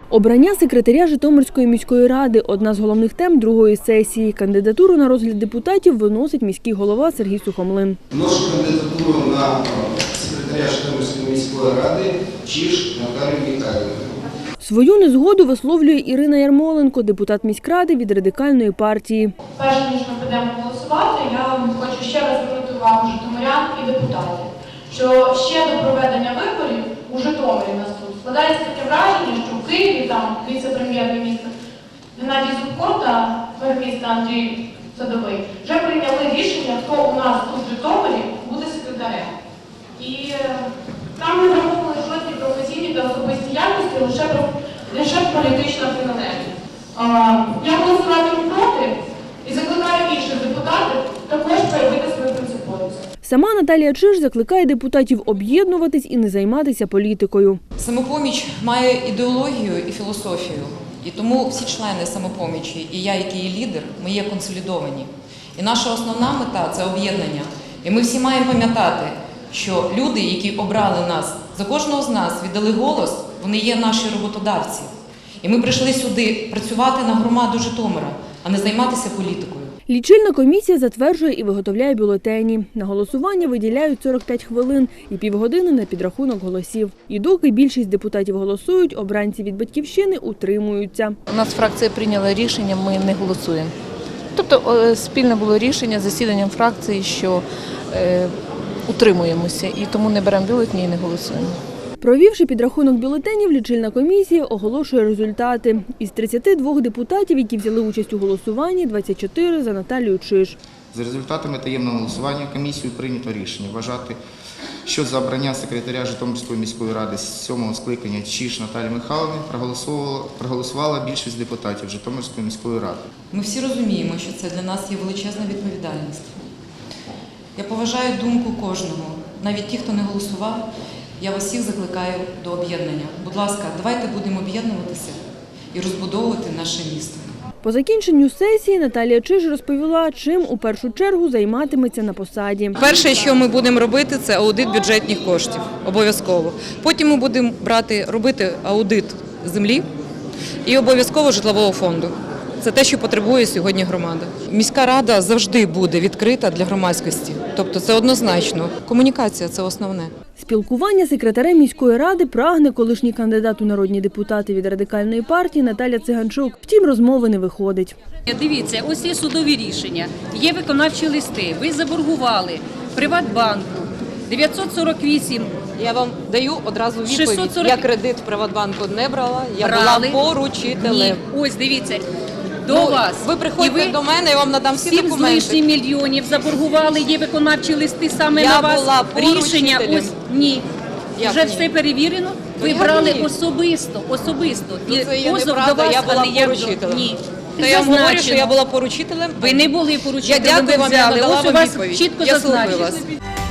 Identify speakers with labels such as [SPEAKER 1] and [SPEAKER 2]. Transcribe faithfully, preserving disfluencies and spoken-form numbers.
[SPEAKER 1] Обрання секретаря Житомирської міської ради – одна з головних тем другої сесії. Кандидатуру на розгляд депутатів виносить міський голова Сергій Сухомлин.
[SPEAKER 2] Вношу кандидатуру на секретаря Житомирської міської ради Чиж Наталію Михайлівну.
[SPEAKER 1] Свою незгоду висловлює Ірина Ярмоленко, депутат міськради від Радикальної партії.
[SPEAKER 3] Перш ніж ми підемо голосувати, я хочу ще раз звернути увагу житомирян і депутатів, що ще до проведення виборів у Житомирі нас тут складається таке враження, що в Києві там віце-прем'єр-міністр Геннадій Зубко та мер міста Андрій Садовий вже прийняли рішення, хто у нас тут в Житомирі буде секретарем. І там не враховували жодні професійні та особисті якості, лише, лише політична приналежність. Я голосуватиму проти і закликаю інших депутатів також проявити свою принциповість.
[SPEAKER 1] Сама Наталія Чиж закликає депутатів об'єднуватись і не займатися політикою.
[SPEAKER 4] Самопоміч має ідеологію і філософію, і тому всі члени Самопомічі, і я, який є лідер, ми є консолідовані. І наша основна мета – це об'єднання. І ми всі маємо пам'ятати, що люди, які обрали нас, за кожного з нас віддали голос, вони є наші роботодавці. І ми прийшли сюди працювати на громаду Житомира, а не займатися політикою.
[SPEAKER 1] Лічильна комісія затверджує і виготовляє бюлетені. На голосування виділяють сорок п'ять хвилин і півгодини на підрахунок голосів. І доки більшість депутатів голосують, обранці від «Батьківщини» утримуються.
[SPEAKER 5] У нас фракція прийняла рішення, ми не голосуємо. Тобто спільне було рішення з засіданням фракції, що е, утримуємося і тому не беремо бюлетені і не голосуємо.
[SPEAKER 1] Провівши підрахунок бюлетенів, лічильна комісія оголошує результати. Із тридцяти двох депутатів, які взяли участь у голосуванні, двадцять чотири за Наталію Чиж.
[SPEAKER 2] За результатами таємного голосування комісією прийнято рішення вважати, що за обрання секретаря Житомирської міської ради з сьомого скликання Чиж Наталії Михайлівни проголосувала, проголосувала більшість депутатів Житомирської міської ради.
[SPEAKER 4] Ми всі розуміємо, що це для нас є величезна відповідальність. Я поважаю думку кожного, навіть ті, хто не голосував. Я вас всіх закликаю до об'єднання. Будь ласка, давайте будемо об'єднуватися і розбудовувати наше місто.
[SPEAKER 1] По закінченню сесії Наталія Чиж розповіла, чим у першу чергу займатиметься на посаді.
[SPEAKER 4] Перше, що ми будемо робити, це аудит бюджетних коштів, обов'язково. Потім ми будемо брати, робити аудит землі і обов'язково житлового фонду. Це те, що потребує сьогодні громада. Міська рада завжди буде відкрита для громадськості. Тобто це однозначно. Комунікація – це основне.
[SPEAKER 1] Спілкування з секретарем міської ради прагне колишній кандидат у народні депутати від Радикальної партії Наталя Циганчук. Втім, розмови не виходить.
[SPEAKER 6] Дивіться, ось є судові рішення, є виконавчі листи, ви заборгували Приватбанку дев'ятсот сорок вісім.
[SPEAKER 7] Я вам даю одразу відповідь.
[SPEAKER 6] шістсот сорок...
[SPEAKER 7] Я кредит в Приватбанку не брала, я
[SPEAKER 6] Брали.
[SPEAKER 7] була поручителем.
[SPEAKER 6] Ні, ось дивіться, до
[SPEAKER 7] Ну,
[SPEAKER 6] вас.
[SPEAKER 7] Ви приходьте
[SPEAKER 6] ви
[SPEAKER 7] до мене, я вам надам всі
[SPEAKER 6] сім
[SPEAKER 7] документи.
[SPEAKER 6] з лишнім мільйонів заборгували, є виконавчі листи саме
[SPEAKER 7] Я
[SPEAKER 6] на вас.
[SPEAKER 7] була
[SPEAKER 6] Рішення
[SPEAKER 7] поручителем.
[SPEAKER 6] ось, ні.
[SPEAKER 7] Як
[SPEAKER 6] Вже
[SPEAKER 7] ні?
[SPEAKER 6] все перевірено, ви
[SPEAKER 7] як
[SPEAKER 6] брали
[SPEAKER 7] ні?
[SPEAKER 6] особисто, особисто.
[SPEAKER 7] Ну,
[SPEAKER 6] І
[SPEAKER 7] це є
[SPEAKER 6] позов
[SPEAKER 7] неправда,
[SPEAKER 6] до вас,
[SPEAKER 7] я була
[SPEAKER 6] але як до-
[SPEAKER 7] поручителем.
[SPEAKER 6] Ні.
[SPEAKER 7] То я вам говорю, що
[SPEAKER 6] Зазначено.
[SPEAKER 7] я була поручителем.
[SPEAKER 6] Ви не були поручителем,
[SPEAKER 7] Я дякую
[SPEAKER 6] ви
[SPEAKER 7] вам, я
[SPEAKER 6] взяли.
[SPEAKER 7] надала
[SPEAKER 6] Ось у
[SPEAKER 7] вам
[SPEAKER 6] вас
[SPEAKER 7] відповідь.
[SPEAKER 6] чітко
[SPEAKER 7] Я слухаю
[SPEAKER 6] зазначено.
[SPEAKER 7] вас.